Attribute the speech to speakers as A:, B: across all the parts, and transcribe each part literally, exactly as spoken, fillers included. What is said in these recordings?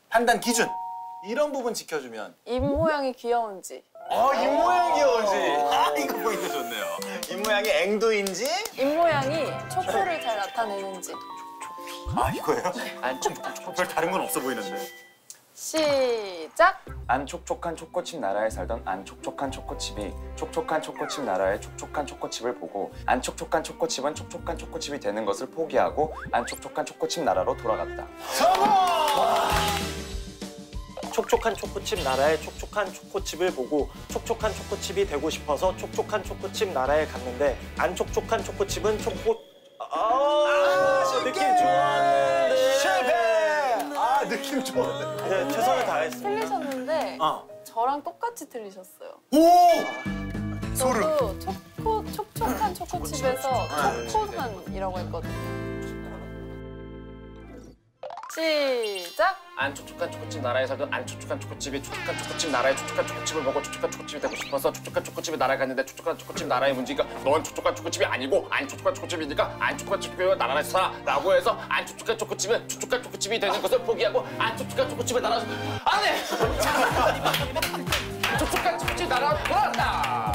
A: 판단 기준 이런 부분 지켜주면.
B: 입 모양이 귀여운지.
A: 어, 입 모양 귀여우지. 아, 이거 포인트 좋네요. 입 모양이 앵두인지.
B: 입 모양이 촉촉을 잘 나타내는지.
A: 아, 이거예요?
C: 안 촉촉.
A: 별 다른 건 없어 보이는데.
B: 시작.
C: 안 촉촉한 초코칩 나라에 살던 안 촉촉한 초코칩이 촉촉한 초코칩 나라의 촉촉한 초코칩을 보고 안 촉촉한 초코칩은 촉촉한 초코칩이 되는 것을 포기하고 안 촉촉한 초코칩 나라로 돌아갔다.
A: 성공!
D: 촉촉한 초코칩 나라의 촉촉한 초코칩을 보고 촉촉한 초코칩이 되고 싶어서 촉촉한 초코칩 나라에 갔는데 안 촉촉한 초코칩은 초코... 아, 아 느낌 좋았는데
A: 실패! 아, 느낌 좋았는데.
D: 네, 최선을 다했습니다.
B: 틀리셨는데
A: 어.
B: 저랑 똑같이 틀리셨어요.
A: 오! 소름.
B: 저도 초코, 촉촉한 초코칩에서 초코한이라고 했거든요. 시작!
C: 안 촉촉한 초코칩 나라에 살던 안 촉촉한 초코칩이 촉촉한 초코칩 나라의 촉촉한 초코칩을 먹고 촉촉한 초코칩이 되고 싶어서 촉촉한 초코칩이 나라에 갔는데 촉촉한 초코칩 나라의 문제가 넌 촉촉한 초코칩이 아니고 안 촉촉한 초코칩이니까 안 촉촉한 초코칩이 나라에 살아 라고 해서 안 촉촉한 초코칩은 촉촉한 초코칩이 되는 것을 포기하고 안 촉촉한 초코칩을 나라 안해! 촉촉한 초코칩 나라로 돌아왔다!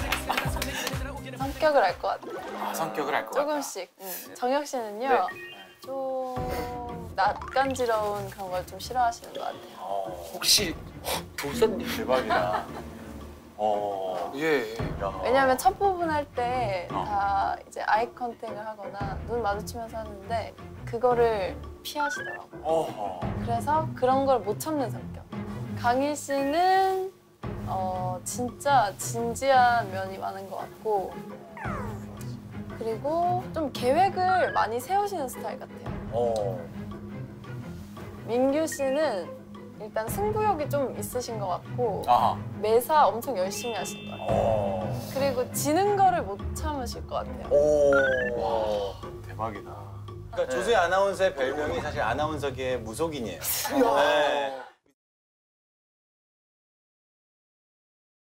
B: 성격을 알 것 같아요.
A: 아, 성격을 알 것 같다.
B: 조금씩. 응. 정혁 씨는요,
A: 네.
B: 좀 낯간지러운 그런 걸 좀 싫어하시는 것 같아요.
A: 어,
C: 혹시 도사님
A: 대박이다. 어.
C: 예.
A: 야.
B: 왜냐하면 첫 부분 할 때
A: 어.
B: 다 이제 아이 컨택을 하거나 눈 마주치면서 하는데 그거를 피하시더라고요.
A: 어허.
B: 그래서 그런 걸 못 참는 성격. 강희 씨는 어, 진짜 진지한 면이 많은 것 같고 그리고 좀 계획을 많이 세우시는 스타일 같아요.
A: 어.
B: 민규 씨는 일단 승부욕이 좀 있으신 것 같고
A: 아하.
B: 매사 엄청 열심히 하신 것 같아요.
A: 어.
B: 그리고 지는 거를 못 참으실 것 같아요.
A: 오. 대박이다. 그러니까 조수희 아나운서의 별명이 사실 아나운서계의 무속인이에요. 네.